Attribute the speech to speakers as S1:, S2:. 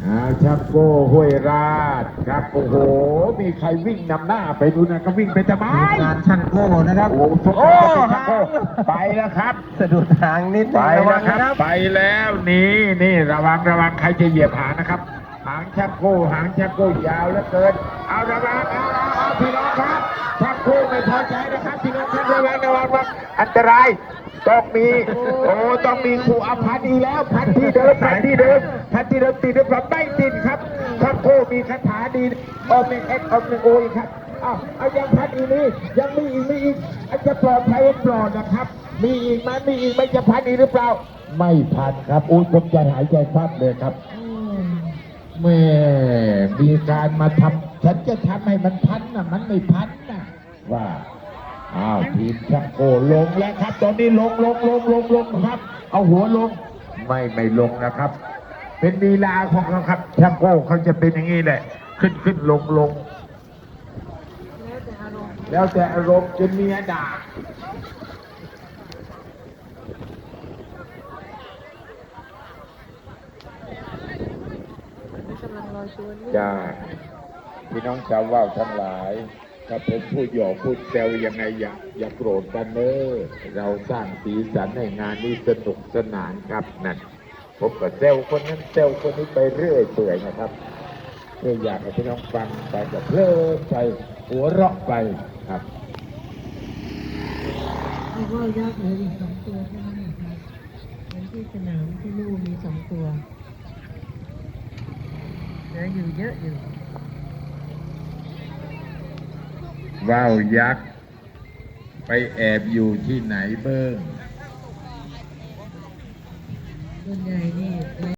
S1: ชักโก้ห้วยราชครับโอ้โหมีใครวิ่งนำหน้าไปดูนะก็วิ่งไปทำไม
S2: งานช่างโก้นะครับ
S1: โอ้โหชักโก้ไปแล้วครับ
S2: สะดุดหางนิดนึ
S1: ไป
S2: งระวั
S1: แล้วครับ
S2: งนะครับ
S1: ไปแล้วนี่ระวังใครจะเหยียบหางนะครับหางชักโก้ยาวเหลือเกินเอาระวังเอาพี่น้องครับชักโก้ไม่พอใจนะครับพี่น้องครับระวังอันตรายต้องมีต้องมีครูอภันธ์อีกแล้วพันที่เดิมติดหรือเปล่าไม่ติดครับชักโก้มีคาถาดีออมเอ็กออมโออีกครับเอายังพันอีกนี่ยังมีอีกอาจจะปลอดภัยปลอดนะครับมีอีกไหมจะพันอีกหรือเปล่าไม่พันครับผมจะหายใจคว่ำเลยครับแม่มีการมาทำฉันจะทำให้มันพันนะมันไม่พันนะว่าทีมชักโกลงแล้วครับตอนนี้ลงครับ เอาหัวลงไม่ลงนะครับ เป็นลีลาของเขาครับชักโกเขาจะเป็นอย่างนี้แหละขึ้นลงแล้วแต่อารมณ์จนเมียด่าจ้าพี่น้องชาวว่าวทั้งหลายถ้าผมพูดหยอกพูดแซวยังไงอย่าโกรธกันเนอะเราสร้างสีสันให้งานนี้สนุกสนานครับนั่นผมก็แซวคนนั้นแซวคนนี้ไปเรื่อยเปื่อยนะครับเพื่ออยากให้พี่น้องฟังไปกับเพลินไปหัวเราะไปครับ
S3: แล้วก็ยักษ์เหลืออีก2 ตัวเท่านั้นเองครับเหมือนที่สนามที่ลู่มี2 ตัวเหลืออยู่เยอะอยู่
S1: ว่าวยักษ์ไปแอบอยู่ที่ไหนเบิ้ง
S3: ส่วนใหญ่นี่